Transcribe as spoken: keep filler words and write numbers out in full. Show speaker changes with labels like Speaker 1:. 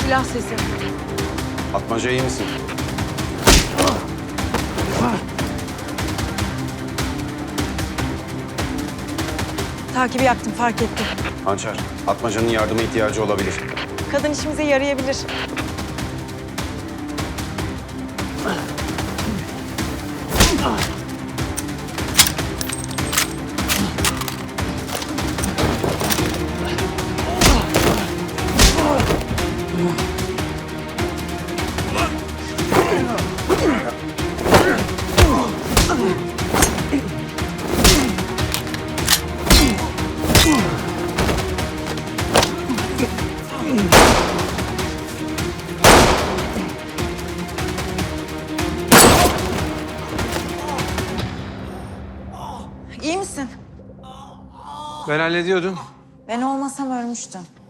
Speaker 1: Silah sesi.
Speaker 2: Atmaca iyi misin?
Speaker 1: Takibi yaptım, fark ettim.
Speaker 2: Hançer, Atmaca'nın yardıma ihtiyacı olabilir.
Speaker 1: Kadın işimize yarayabilir. İyi misin?
Speaker 3: Ben hallediyordum.
Speaker 1: Ben olmasam ölmüştüm.